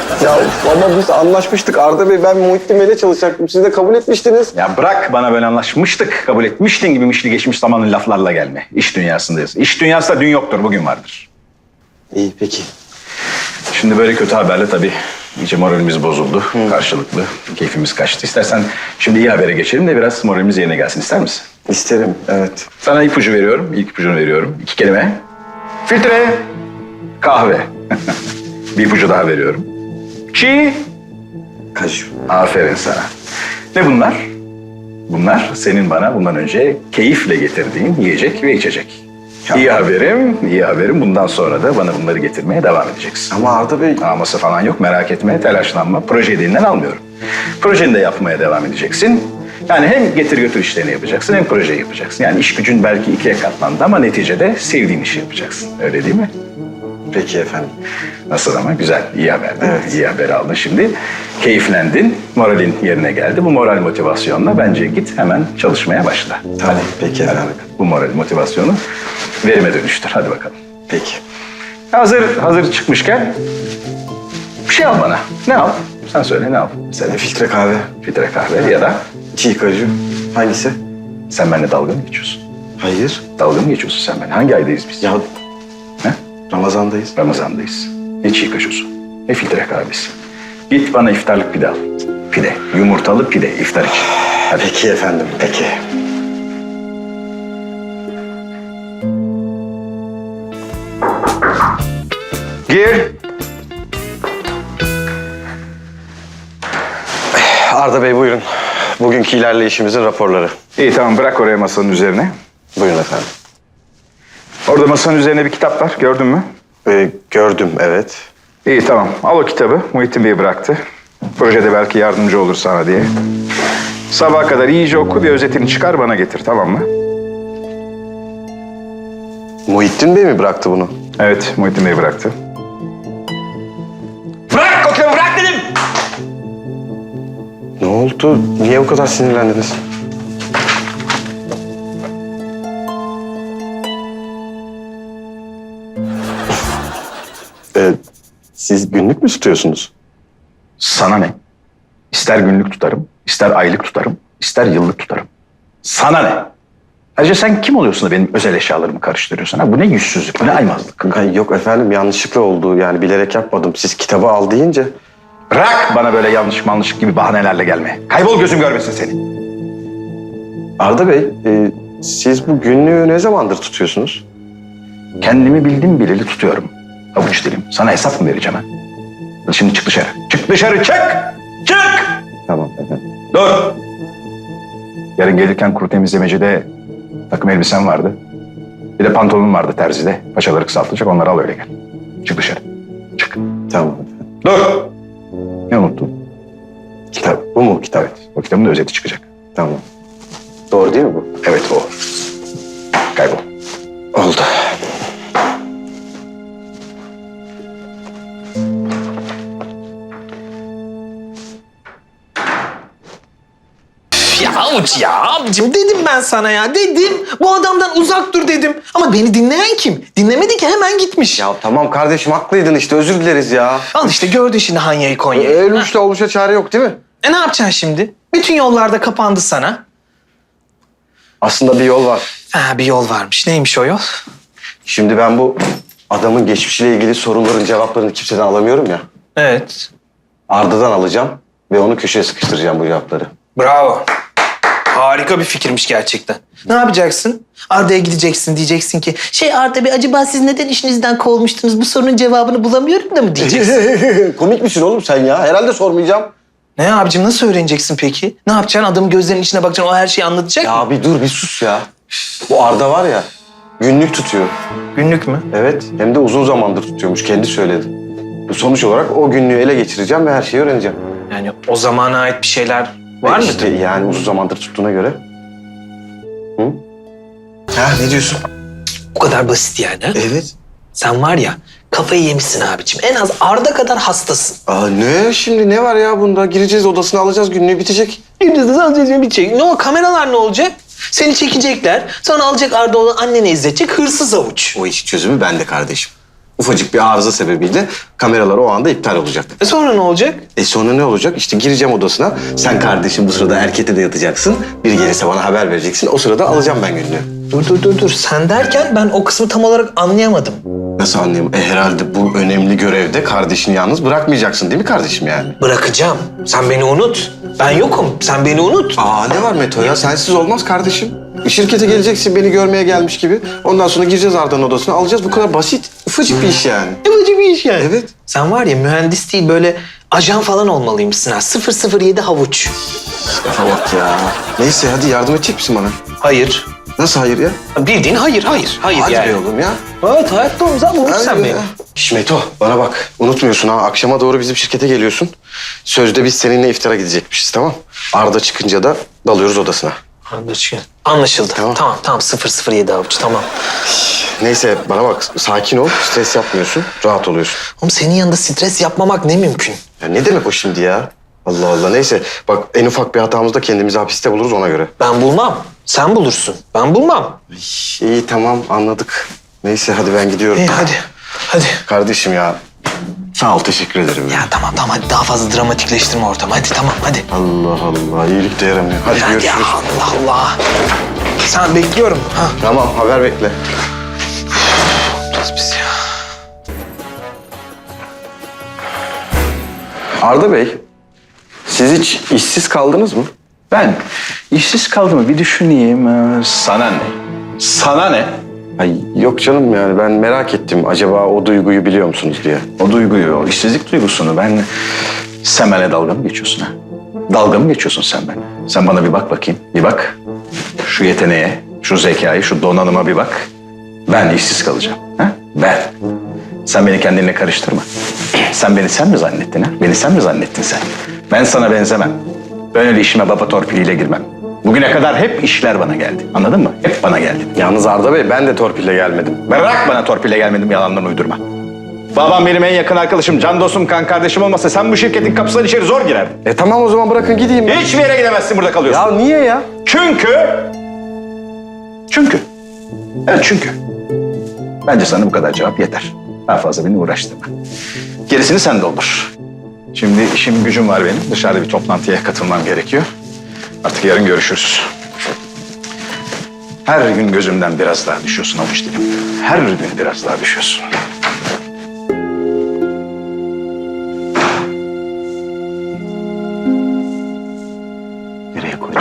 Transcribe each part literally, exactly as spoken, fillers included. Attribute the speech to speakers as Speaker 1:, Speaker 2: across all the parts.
Speaker 1: Ya ama biz anlaşmıştık. Arda Bey, ben Muhittin Bey'le çalışacaktım. Siz de kabul etmiştiniz.
Speaker 2: Ya bırak, bana böyle anlaşmıştık, kabul etmiştin gibi mişli geçmiş zamanın laflarla gelme. İş dünyasındayız. İş dünyasında dün yoktur, bugün vardır.
Speaker 1: İyi, peki.
Speaker 2: Şimdi böyle kötü haberle tabii iyice moralimiz bozuldu. Hı. Karşılıklı keyfimiz kaçtı. İstersen şimdi iyi habere geçelim de biraz moralimiz yerine gelsin. İster misin?
Speaker 1: İsterim, evet.
Speaker 2: Sana ipucu veriyorum. İlk ipucunu veriyorum. İki kelime. Filtre, kahve. Bir ipucu daha veriyorum. Çiğ,
Speaker 1: Kaju.
Speaker 2: aferin sana. Ne bunlar? Bunlar senin bana bundan önce keyifle getirdiğin yiyecek ve içecek.
Speaker 1: Ya.
Speaker 2: İyi haberim, iyi haberim. Bundan sonra da bana bunları getirmeye devam edeceksin.
Speaker 1: Ama Arda Bey...
Speaker 2: Aması falan yok, merak etme, telaşlanma. Projeyi de elinden almıyorum. Projeni de yapmaya devam edeceksin. Yani hem getir götür işlerini yapacaksın hem projeyi yapacaksın. Yani iş gücün belki ikiye katlandı ama neticede sevdiğin işi yapacaksın. Öyle değil mi?
Speaker 1: Peki efendim.
Speaker 2: Nasıl ama? Güzel, iyi haber değil mi?
Speaker 1: Evet.
Speaker 2: İyi haber aldın şimdi. Keyiflendin, moralin yerine geldi. Bu moral motivasyonla bence git hemen çalışmaya başla.
Speaker 1: Tamam, peki efendim.
Speaker 2: Bu moral motivasyonu verime dönüştür. Hadi bakalım.
Speaker 1: Peki.
Speaker 2: Hazır, hazır çıkmışken bir şey al bana. Ne al? Sen söyle, ne al? Mesela
Speaker 1: Filtre kahve,
Speaker 2: filtre kahve ya da
Speaker 1: çiğ kaju. Hangisi?
Speaker 2: sen benimle dalga mı geçiyorsun?
Speaker 1: Hayır.
Speaker 2: Dalga mı geçiyorsun sen benimle? Hangi aydayız biz?
Speaker 1: Ya
Speaker 2: Ne?
Speaker 1: Ramazan'dayız.
Speaker 2: Ramazan'dayız. Ne çiğ kaşosu, ne filtre kahvesi. Git bana iftarlık pide al. Pide, yumurtalı pide iftar için. Hadi.
Speaker 1: Peki efendim, peki.
Speaker 2: Gir.
Speaker 1: Arda Bey, buyurun. Bugünkü ilerleyişimizin raporları.
Speaker 2: İyi tamam, bırak oraya masanın üzerine.
Speaker 1: Buyurun efendim.
Speaker 2: Orada masanın üzerine bir kitap var, gördün mü?
Speaker 1: Ee, gördüm, evet.
Speaker 2: İyi tamam, al o kitabı. Muhittin Bey bıraktı. Projede belki yardımcı olur sana diye. Sabaha kadar iyice oku, bir özetini çıkar bana getir, tamam mı?
Speaker 1: Muhittin Bey mi bıraktı bunu?
Speaker 2: Evet, Muhittin Bey bıraktı.
Speaker 3: Bırak o kitabı, bırak dedim.
Speaker 1: Ne oldu? Niye bu kadar sinirlendiniz? Ee, siz günlük mü tutuyorsunuz?
Speaker 2: Sana ne? İster günlük tutarım, ister aylık tutarım, ister yıllık tutarım. Sana ne? Ayrıca sen kim oluyorsun da benim özel eşyalarımı karıştırıyorsun? Ha? Bu ne yüzsüzlük, bu ne aymazlık?
Speaker 1: Ay, yok efendim, yanlışlıkla oldu. Yani bilerek yapmadım. Siz kitabı al deyince...
Speaker 2: Bırak bana böyle yanlış manlış gibi bahanelerle gelme. Kaybol, gözüm görmesin seni.
Speaker 1: Arda Bey, e, siz bu günlüğü ne zamandır tutuyorsunuz?
Speaker 2: Kendimi bildim bileli tutuyorum. Avuç dilim. Sana hesap mı vereceğim ha? Şimdi çık dışarı. Çık dışarı, çık! Çık!
Speaker 1: Tamam efendim.
Speaker 2: Dur! Yarın gelirken kuru temizlemecide takım elbisem vardı. Bir de pantolonum vardı terzide. Paçaları kısaltacak, onları al öyle gel. Çık dışarı. Çık.
Speaker 1: Tamam efendim.
Speaker 2: Dur! Ne unuttun?
Speaker 1: Kitap, bu mu kitap?
Speaker 2: Evet, o kitabın da özeti çıkacak.
Speaker 1: Tamam. Doğru değil mi bu?
Speaker 2: Evet, o. Kaybol.
Speaker 1: Oldu.
Speaker 3: Ya avuç ya abicim, dedim ben sana ya, dedim. Bu adamdan uzak dur dedim. Ama beni dinleyen kim? Dinlemedi ki, hemen gitmiş.
Speaker 1: Ya tamam kardeşim, haklıydın işte, özür dileriz ya.
Speaker 3: Al işte, gördün şimdi Hanya'yı Konya'yı.
Speaker 1: El uçta oluşa çare yok değil mi?
Speaker 3: E ne yapacaksın şimdi? Bütün yollarda kapandı sana.
Speaker 1: Aslında bir yol var.
Speaker 3: Ha, bir yol varmış. Neymiş o yol?
Speaker 1: Şimdi ben bu adamın geçmişiyle ilgili soruların cevaplarını kimseden alamıyorum ya.
Speaker 3: Evet.
Speaker 1: Arda'dan alacağım ve onu köşeye sıkıştıracağım bu cevapları.
Speaker 3: Bravo. Harika bir fikirmiş gerçekten. Ne yapacaksın? Arda'ya gideceksin, diyeceksin ki... Şey Arda Bey, acaba siz neden işinizden kovmuştunuz? Bu sorunun cevabını bulamıyorum da mı diyeceksin?
Speaker 1: Komik misin oğlum sen ya? Herhalde sormayacağım.
Speaker 3: Ne abicim, nasıl öğreneceksin peki? Ne yapacaksın? Adamın gözlerinin içine bakacaksın, o her şeyi anlatacak mı?
Speaker 1: Ya bir dur, bir sus ya. Bu Arda var ya, günlük tutuyor.
Speaker 3: Günlük mü?
Speaker 1: Evet, hem de uzun zamandır tutuyormuş, kendi söyledi. Bu sonuç olarak o günlüğü ele geçireceğim ve her şeyi öğreneceğim.
Speaker 3: Yani o zamana ait bir şeyler var mı?
Speaker 1: İşte yani uzun zamandır tuttuğuna göre. Hı? Ha, ne diyorsun?
Speaker 3: Bu kadar basit yani. ha?
Speaker 1: Evet.
Speaker 3: Sen var ya, kafayı yemişsin abicim. En az Arda kadar hastasın.
Speaker 1: Aa, ne şimdi, ne var ya bunda? Gireceğiz odasına, alacağız, günlüğü bitecek.
Speaker 3: Bir şey. Ne o kameralar ne olacak? Seni çekecekler. Sonra alacak Arda onu annene izletecek, hırsız avuç.
Speaker 1: O iş çözümü bende kardeşim. ufacık bir arıza sebebiyle kameralar o anda iptal olacak.
Speaker 3: E sonra ne olacak?
Speaker 1: E sonra ne olacak? İşte gireceğim odasına. Sen kardeşim bu sırada erkete de yatacaksın. Biri gelirse bana haber vereceksin. O sırada alacağım ben günlüğü.
Speaker 3: Dur dur dur dur. Sen derken ben o kısmı tam olarak anlayamadım.
Speaker 1: Nasıl anlayayım? E herhalde bu önemli görevde kardeşini yalnız bırakmayacaksın değil mi kardeşim yani?
Speaker 3: Bırakacağım. Sen beni unut. Ben yokum. Sen beni unut.
Speaker 1: Aa ne var Meto ya? Sensiz olmaz kardeşim. Şirkete geleceksin beni görmeye gelmiş gibi. Ondan sonra gireceğiz Arda'nın odasına alacağız. Bu kadar basit. Ufacık bir iş yani.
Speaker 3: Yapıcı bir iş yani.
Speaker 1: Evet.
Speaker 3: Sen var ya mühendis değil böyle ajan falan olmalıymışsın ha. sıfır sıfır yedi havuç.
Speaker 1: Lafa bak ya. Neyse hadi yardım edecek misin bana?
Speaker 3: Hayır.
Speaker 1: Nasıl hayır ya?
Speaker 3: Bildiğin hayır, hayır. Hayır
Speaker 1: Hadi
Speaker 3: yani.
Speaker 1: be oğlum ya.
Speaker 3: Evet hayatta olmaz ama unut sen
Speaker 1: Hadi
Speaker 3: beni.
Speaker 1: ya. Şş Meto bana bak. Unutmuyorsun ha. Akşama doğru bizim şirkete geliyorsun. Sözde biz seninle iftara gidecekmişiz tamam. Arda çıkınca da dalıyoruz odasına.
Speaker 3: Anlaşıldı. Anlaşıldı.
Speaker 1: Tamam.
Speaker 3: Tamam tamam sıfır sıfır yedi havuç tamam.
Speaker 1: Neyse bana bak sakin ol. Stres yapmıyorsun. Rahat oluyorsun.
Speaker 3: Oğlum senin yanında stres yapmamak ne mümkün?
Speaker 1: Ya ne demek o şimdi ya? Allah Allah neyse. Bak en ufak bir hatamızda kendimizi hapiste buluruz ona göre.
Speaker 3: Ben bulmam. Sen bulursun. Ben bulmam.
Speaker 1: İyi tamam anladık. Neyse hadi ben gidiyorum.
Speaker 3: İyi hadi. Hadi.
Speaker 1: Kardeşim ya sağ ol teşekkür ederim.
Speaker 3: Ya tamam tamam hadi daha fazla dramatikleştirme ortamı. Hadi tamam hadi.
Speaker 1: Allah Allah iyilik de yaramıyor. Hadi
Speaker 3: Hadi
Speaker 1: görüşürüz.
Speaker 3: ya Allah Allah. Sen bekliyorum. Ha.
Speaker 1: Tamam haber bekle.
Speaker 3: Biraz biz ya.
Speaker 1: Arda Bey siz hiç işsiz kaldınız mı?
Speaker 2: Ben işsiz kaldığımı bir düşüneyim. Ee, Sana ne? Sana ne?
Speaker 1: Ay yok canım yani ben merak ettim. Acaba o duyguyu biliyor musunuz diye.
Speaker 2: O duyguyu, o işsizlik duygusunu ben... Sen benimle dalga mı geçiyorsun ha? Dalga mı geçiyorsun sen benimle? Sen bana bir bak bakayım, bir bak. Şu yeteneğe, şu zekayı, şu donanıma bir bak. Ben işsiz kalacağım. Ha? Ben. Sen beni kendinle karıştırma. Sen beni sen mi zannettin ha? Beni sen mi zannettin sen? Ben sana benzemem. Ben öyle işime baba torpiliyle girmem. Bugüne kadar hep işler bana geldi. Anladın mı? Hep bana geldi.
Speaker 1: Yalnız Arda Bey ben de torpille gelmedim.
Speaker 2: Bırak bana torpille gelmedim, yalandan uydurma. Babam benim en yakın arkadaşım, can dostum, kan kardeşim olmasa sen bu şirketin kapısından içeri zor girerdin.
Speaker 1: E tamam o zaman bırakın gideyim ben.
Speaker 2: Hiçbir yere gidemezsin, burada kalıyorsun.
Speaker 1: Ya niye ya?
Speaker 2: Çünkü... Çünkü. Evet çünkü. Bence sana bu kadar cevap yeter. Daha fazla beni uğraştırma. Gerisini sen doldur. Şimdi işim gücüm var benim. Dışarıda bir toplantıya katılmam gerekiyor. Artık yarın görüşürüz. Her gün gözümden biraz daha düşüyorsun avuç dilim. Her gün biraz daha düşüyorsun. Nereye koyduk?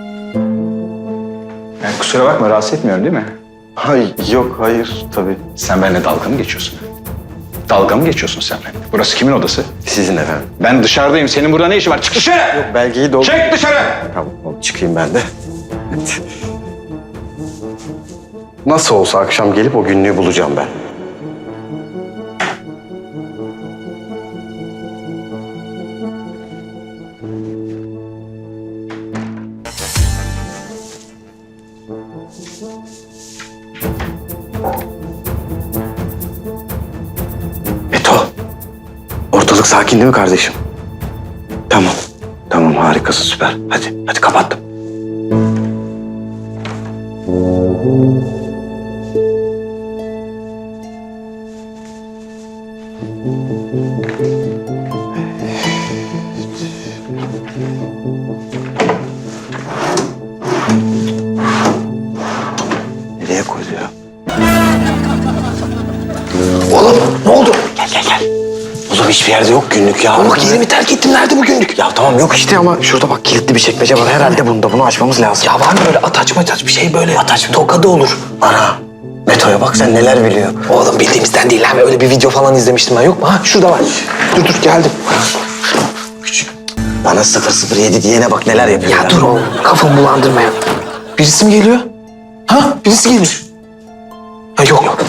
Speaker 2: Yani kusura bakma, rahatsız etmiyorum değil mi?
Speaker 1: Hay yok hayır tabii.
Speaker 2: Sen benimle dalga mı geçiyorsun? Dalga mı geçiyorsun sen benimle? Burası kimin odası?
Speaker 1: Sizin efendim.
Speaker 2: Ben dışarıdayım. Senin burada ne işin var? Çık dışarı!
Speaker 1: Belgeyi doldur.
Speaker 2: Çık dışarı!
Speaker 1: Tamam oğlum, çıkayım ben de. Evet. Nasıl olsa akşam gelip o günlüğü bulacağım ben. Meto, ortalık sakin değil mi kardeşim? Tamam, tamam harikasın süper. Hadi, hadi kapattım. Nereye koydu ya? Oğlum ne oldu? Gel gel gel. Oğlum hiçbir yerde yok günlük ya.
Speaker 3: Bak yerimi terk ettim. Nerede bu günlük?
Speaker 1: Ya tamam yok işte ama şurada bak kilitli bir çekmece var. Herhalde bunda. Bunu açmamız lazım.
Speaker 3: Ya var mı böyle ataç maç bir şey böyle? Ataç mı? Tokadı olur.
Speaker 1: Ana. Meto'ya bak sen neler biliyor.
Speaker 3: Oğlum bildiğimizden değil lan. Öyle bir video falan izlemiştim ben. Yok mu? Ha şurada var. Dur dur geldim.
Speaker 1: Küçük. Bana sıfır sıfır yedi diyene bak neler yapıyor.
Speaker 3: Ya dur oğlum. Kafamı bulandırma ya. Birisi mi geliyor? Ha? Birisi geliyor. Ha yok yok.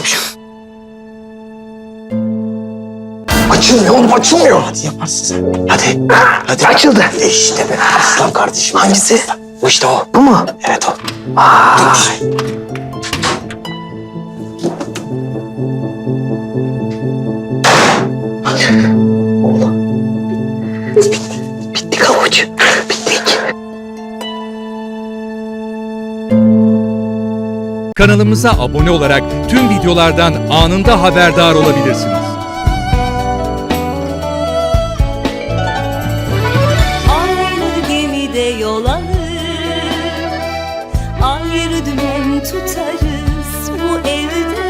Speaker 3: Açılmıyor oğlum açılmıyor.
Speaker 1: Hadi yaparsın sen. Hadi. Hadi.
Speaker 3: Açıldı.
Speaker 1: İşte be. Aslan kardeşim.
Speaker 3: Hangisi?
Speaker 1: Bu işte o.
Speaker 3: Bu mu?
Speaker 1: Evet o.
Speaker 3: Vay. Oğlum. Bitti. Bittik havuç. Bittik.
Speaker 4: Kanalımıza abone olarak tüm videolardan anında haberdar olabilirsiniz.
Speaker 5: Aynı gemide yol alır, ayrı dümen tutarız bu evde.